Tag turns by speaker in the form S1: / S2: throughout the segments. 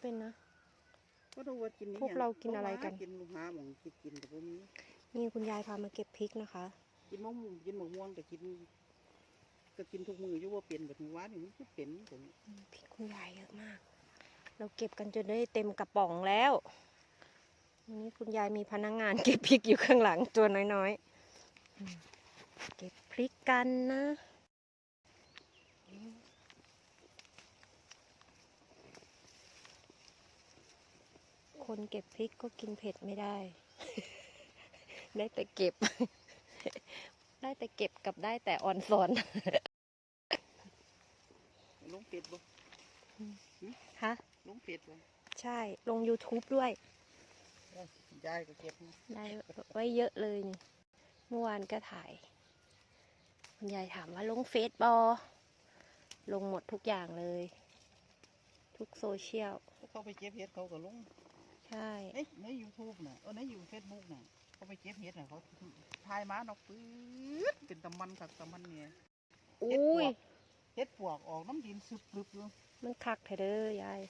S1: เป็นนะ
S2: ก็รู้ว่ากิน
S1: พวกเรากินอะไรกัน
S2: กินลูกหาหมองกินแต่พวกนี้
S1: นี่คุณยายพามาเก็บพริกนะคะ
S2: กินมะม่วงกินมะม่วงแต่กินทุกมืออยู่ว่าเปลี่ยนแบบว่านี่มันก็เป็นผม
S1: พริกคุณยายเยอะมากเราเก็บกันจนได้เต็มกระป๋องแล้ววันนี้คุณยายมีพนักงานเก็บพริกอยู่ข้างหลังตัวน้อยๆเก็บพริกกันนะคนเก็บพริกก็กินเผ็ดไม่ได้ ได้แต่เก็บ ได้แต่เก็บกับได้แต่ออนซอน
S2: ลงเป็ดบ่
S1: ฮะ
S2: ลงเป็ดบ่
S1: ใช่ลง YouTube ด้วย
S2: ยายก็เก็บ
S1: ได้ไว้เยอะเลยนี่เมื่อวานก็ถ่ายคุณยายถามว่าลงเฟซบอลงหมดทุกอย่างเลยทุกโซเชียล
S2: เขาไปเก็บเห็ดเขาก็ลง
S1: ใช่
S2: ใน YouTube น่ะในFacebook น่ะเขาไปเก็บเห็ดน่ะเขาทายมาเนาะปื๊ดเป็นตะมันกับตะมันเนี่ย
S1: อุ้ย
S2: เห็ดปวกออกน้ำดินซึบลึบเลย
S1: มันคักเถอะเด้อยาย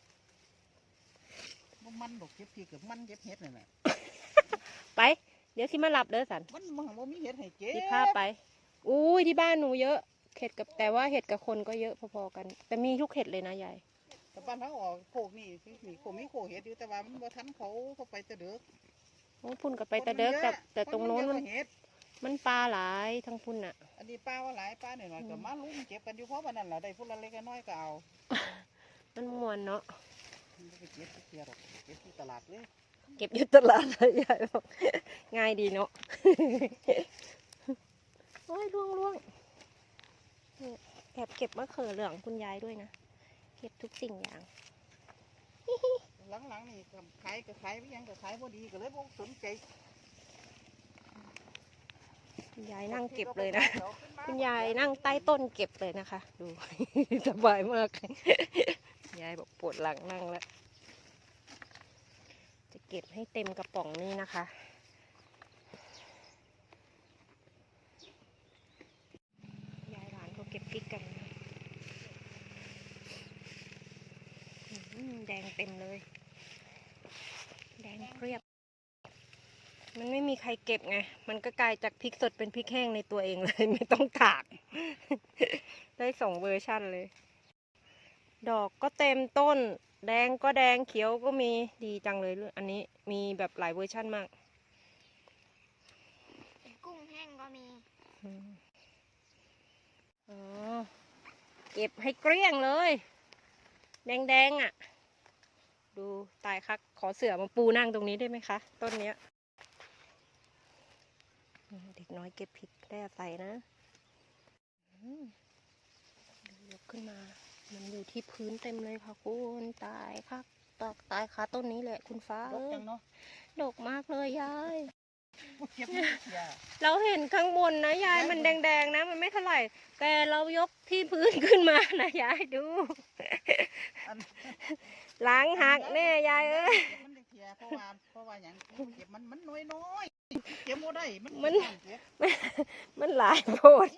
S2: มันดอกเก็บพีกับมันเก็บเห็ดนั่นแหละ
S1: ไปเดี๋ยวที่มาหลับเด้อสัน
S2: มันมีเห็ดให้เก็บ
S1: ที่พาไปอุ้ยที่บ้านหนูเยอะเห็ดกับแต่ว่าเห็ดกับคนก็เยอะพอๆกันแต่มีทุกเห็ดเลยนะยาย
S2: แต่บ้านเขาออกโขกนี่โขกมีโขกเห็ดอยู่แต่ว่ามันบ่ทันเขาไปแต่เด็ก
S1: โอ้พุ่นกับไปแต่เด็กแต่ตรงโน้นมันปลาหลายทั้งพุ่นอ่ะ
S2: อันนี้ปลาว่าหลายปลาหน่อยๆก็มาลุ้มเก็บกันอยู่เพราะวันนั้นแหละได้พุ่นละเล็กน้อยก็เอา
S1: มันมวนเนาะ
S2: ไปเก็บที่หรอกเก็บที่ตลาดเลย
S1: เก็บอยู่ตลาดเลยยายบอกง่ายดีเนาะโอ้ยล่วงแอบเก็บมะเขือเหลืองคุณยายด้วยนะเก็บทุกสิ่งอย่าง
S2: หลังๆนี่ขายก็ขายไม่ยังก็ขายพอดีก็เลยพวกสนใจ
S1: คุณยายนั่งเก็บเลยนะคุณยายนั่งใต้ต้นเก็บเลยนะคะดูสบายมากยายบอกปวดหลังนั่งแล้วจะเก็บให้เต็มกระป๋องนี่นะคะยายหลานก็เก็บพริกกันแดงเต็มเลยแดงเรียบมันไม่มีใครเก็บไงมันก็กลายจากพริกสดเป็นพริกแห้งในตัวเองเลยไม่ต้องตากได้2 เวอร์ชั่นเลยดอกก็เต็มต้นแดงก็แดงเขียวก็มีดีจังเลยอันนี้มีแบบหลายเวอร์ชั่นมาก
S3: กุ้งแห้งก็มี
S1: อ๋อเก็บให้เกลี้ยงเลยแดงๆอ่ะดูตายคักขอเสื่อมาปูนั่งตรงนี้ได้ไหมคะต้นเนี้ยเด็กน้อยเก็บพริกได้อาศัยนะยกขึ้นมามันอยู่ที่พื้นเต็มเลยค่ะคุณตายค่ะตายค่ะต้นนี้แหละคุณฟ้าดกมากเลยยายเราเห็นข้างบนนะยายมันแดงๆนะมันไม่เท่าไหร่แต่เรายกที่พื้นขึ้นมานะยายดูหลังหักแน่ยายเอ้ย
S2: เพราะว่าอย่างเก็บมันน้อยเก็บโมได้
S1: มันหลายโพด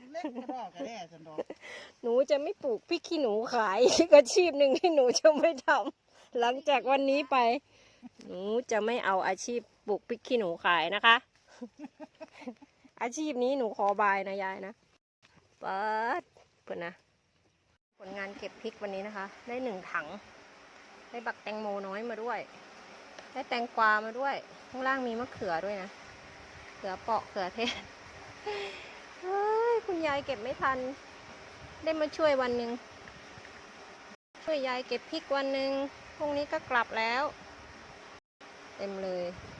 S1: หนูจะไม่ปลูกพริกขี้หนูขายอาชีพหนึ่งที่หนูจะไม่ทำหลังจากวันนี้ไปหนูจะไม่เอาอาชีพปลูกพริกขี้หนูขายนะคะอาชีพนี้หนูขอบายนะยายนะเปิดเพื่อนนะผลงานเก็บพริกวันนี้นะคะได้1 ถังได้บักแตงโมน้อยมาด้วยได้แตงกวามาด้วยข้างล่างมีมะเขือด้วยนะเขือเปาะเขือเทศเฮ้ยคุณยายเก็บไม่ทันได้มาช่วยวันหนึ่งช่วยยายเก็บพริกวันหนึ่งพรุ่งนี้ก็กลับแล้วเต็มเลย